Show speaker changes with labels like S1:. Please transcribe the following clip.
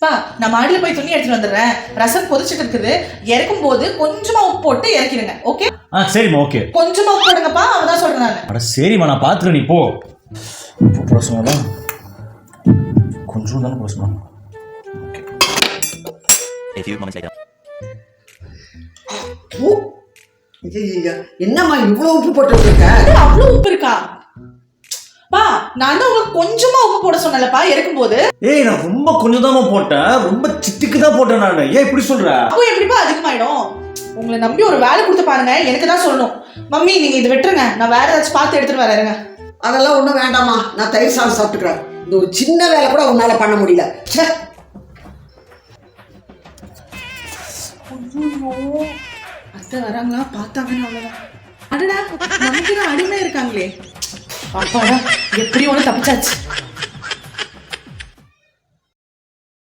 S1: பா நான் மாடியில போய் துணி எடுத்துட்டு வந்துடுறேன். ரசம் கொதிச்சுட்டு இருக்குது. இறக்கும் போது கொஞ்சமா உப்பு போட்டு இறக்கிடுங்க. ஓகே?
S2: சரிம்மா ஓகே.
S1: கொஞ்சமா உப்பு போடுங்கப்பா, அவதான் சொல்றேன் நான்.
S2: அட சரிம்மா, நான் பார்த்துக்கிறேன், நீ போ. உப்பு போட சொன்னா கொஞ்சம் தானே போட சொன்னா.
S3: என்னம்மா இவ்வளவு உப்பு போட்டு வச்சிருக்க?
S1: அவ்வளவு உப்பு இருக்கா? பா நான் தான் உங்களுக்கு கொஞ்சமா உப்பு போட சொன்னேன்லப்பா இறக்கும் போது.
S2: நான் ரொம்ப கொஞ்சம் தான் போட்டேன், ரொம்ப சிட்டிக்கு தான் போட்டேன் நான். ஏன் இப்படி சொல்ற?
S1: அப்போ எப்படிப்பா அதிகமாயிடும்? உங்களை நம்பி ஒரு வேலை கொடுத்து பாருங்க, எனக்கு தான் சொல்லணும். மம்மி நீங்க இது விட்டுருங்க, நான் வேற ஏதாச்சும் பார்த்து எடுத்துட்டு வரேங்க.
S3: அதெல்லாம் ஒன்றும் வேண்டாமா, நான் தயிர் சாதம் சாப்பிட்டுக்கிறேன். இந்த ஒரு சின்ன வேலை கூட உன்னால பண்ண முடியல.
S1: அத்தை வராங்களா, பார்த்தாங்கன்னு அவ்வளவுதான். அடடா நமக்கு தான் அடிமை இருக்காங்களே. அப்பாடா எப்படி ஒன்று தப்பிச்சாச்சு.